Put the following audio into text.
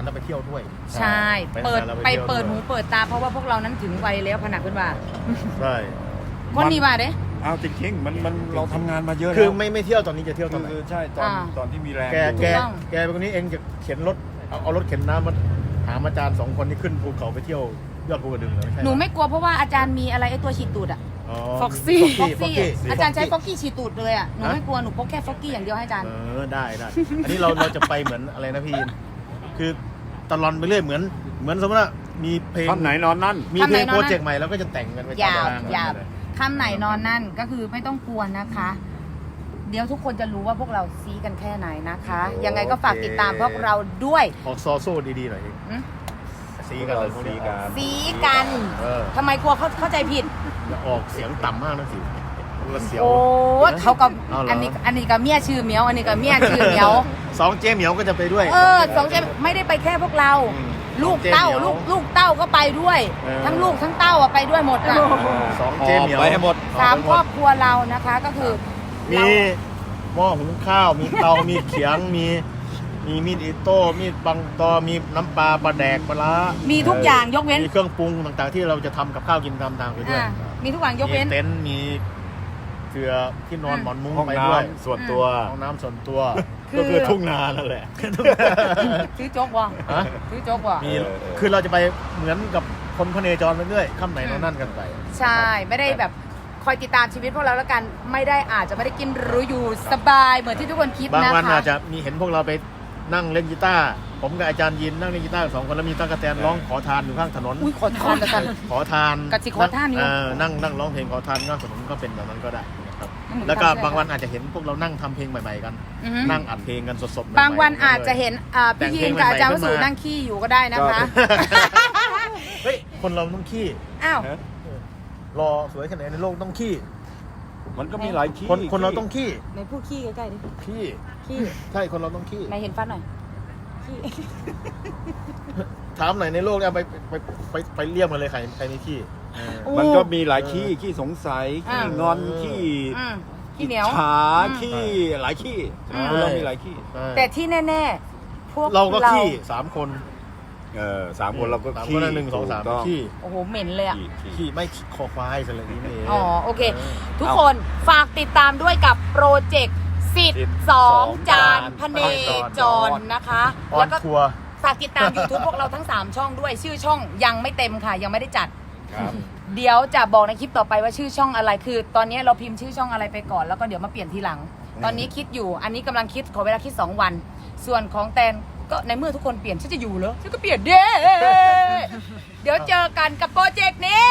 เราไปเที่ยวด้วยใช่เปิดหูเปิดตาเพราะว่าพวกเรานั้นถึงวัยแล้วพนักเพื่อนว่าใช่คนนี้มาเด้เอาจริงๆมันเราทำงานมาเยอะคือแล้วไม่เที่ยวตอนนี้จะเที่ยวตอนไหนคือใช่ตอนที่มีแรงแกอยู่เป็นคนนี้เองจะเข็นรถเอารถเข็นน้ำมาหาอาจารย์2 คนที่ขึ้นภูเขาไปเที่ยวยอดภูกระดึงเลยใช่หนูไม่กลัวเพราะว่าอาจารย์มีอะไรไอ้ตัวฉีดตูดอะฟ็อกซี่อาจารย์ใช้ฟอกกี้ฉีดตูดเลยอะหนูไม่กลัวหนูพกแค่ฟอกกี้อย่างเดียวให้อาจารย์ได้อันนี้เราจะไปเหมือนอะไรนะพี่คือตลอดไปเรื่อยเหมือนสมมติว่ามีเพลงท่อนไหนนอนนั่นมีเพลงโปรเจกต์ใหม่แล้วก็จะแต่งกันไปยาวตมทงคำไหนนอนนั่นก็คือไม่ต้องกลัวนะคะ เดี๋ยวทุกคนจะรู้ว่าพวกเราซีกันแค่ไหนนะคะ ยังไงก็ฝากติดตามพวกเราด้วยออกซอโซ่ดีๆหน่อยซีกันเลยพวกนี้ซีกัน ทำไมกลัวเขาเข้าใจผิดอย่าออกเสียงต่ำมากนะสิเสียวโอ้เขากับอันนี้กับเมียชื่อเหมียว อันนี้กับเมียชื่อเหมียว 2 เจ๊เหมียวก็จะไปด้วยสองเจไม่ได้ไปแค่พวกเรา ลูกเต้าลูกเต้าก็ไปด้วย ทั้งลูกทั้งเต้าไปด้วยหมดอ่ะ 2 เจ๊เหมียวไปให้หมด 3 ครอบครัวเรานะคะก็คือมีหม้อหุงข้าวมีเตามีเขียงมีมีดอิโต้มีดบังตอมีน้ำปลาแดกปลามีทุกอย่างยกเว้นมีเครื่องปรุงต่างๆที่เราจะทำกับข้าวกินตามๆไปด้วยมีทุกอย่างยกเว้นมีเต็นท์มีเสื่อที่นอนหมอนมุ้งห้องไปน้ด้วยำส่วนตัวห้องน้ำส่วนตัวคือก็คือทุ่งนานั่นแหละซื้อโจ๊กวะฮะซื้อโจ๊กวะมีคือเราจะไปเหมือนกับคนพเนจรไปเรื่อยค่ำไหนนอนนั่นกันไปใช่ไม่ได้แบบคอยติดตามชีวิตพวกเราแล้วกันไม่ได้อาจจะไม่ได้กินหรู้อยู่สบายเหมือนที่ทุกคนคิดบางนะคะวันอาจจะมีเห็นพวกเราไปนั่งเล่นกีตาร์ผมกับอาจารย์ยินนั่งเล่นกีตาร์2 คนแล้วมีตั๊กแตนร้องขอทานอยู่ข้างถนนอุ้ยขอทานกันขอทานกะจิขอทานอยู่นั่งร้องเพลงขอทานข้างถนนก็เป็นแบบนั้นก็ได้นะครับมันเหมือนแล้วก็ทำได้บางวันอาจจะเห็นพวกเรานั่งทำเพลงใหม่ๆกันอือฮึนั่งอัดเพลงกันสดๆใหม่ๆบางวันอาจจะเห็นพี่แต่งยิเพลนงกับอาจารย์วใหม่ๆสุขึ้นมานั่งขี้อยู่ก็ได้นะคะเฮ้ยคนเราต้องขี้อ้าวรอสวยขนาดไหนในโลกต้องขี้มันก็มีหลายที่คนเราต้องขี้ในพูดขี้ใกล้ๆดิขี้ขี้ใช่คนเราต้องขี้ไหนเห็นฟันหน่อยขี้ถามหน่อยในโลกเนี่ยไปเรียกมาเลยใครมีขี้มันก็มีหลายขี้สงสัยขี้งอนขี้ขี้เหนียวฉาขี้หลายขี้คนเรามีหลายขี้แต่ที่แน่ๆพวกเราก็ขี้3 คน 3 คนเราก็ 3 ขี้คนละ1 2 3ขี้โอ้โหเหม็นเลยอ่ะขี้ไม่ขี้คอควายอะไรนี้นี่เองอ๋อโอเค ทุกคนฝากติดตามด้วยกับโปรเจกต์สิทธิ์2 จานพเนจรนะคะออแล้วนก็ทัวร์ฝากติดตาม YouTube พวกเราทั้ง 3 ช่องด้วยชื่อช่องยังไม่เต็มค่ะ ยังไม่ได้จัดครับเดี๋ยวจะบอกในคลิปต่อไปว่าชื่อช่องอะไรคือ ตอนนี้เราพิมพ์ชื่อช่องอะไรไปก่อนแล้วก็เดี๋ยวมาเปลี่ยนทีหลัง ตอนนี้คิดอยู่อันนี้กำลังคิดขอเวลาคิด2 วัน ส่วนของแตนก็ในเมื่อทุกคนเปลี่ยนฉันจะอยู่เหรอฉันก็เปลี่ยนเด้ เดี๋ยวเจอกันกับโปรเจกต์นี้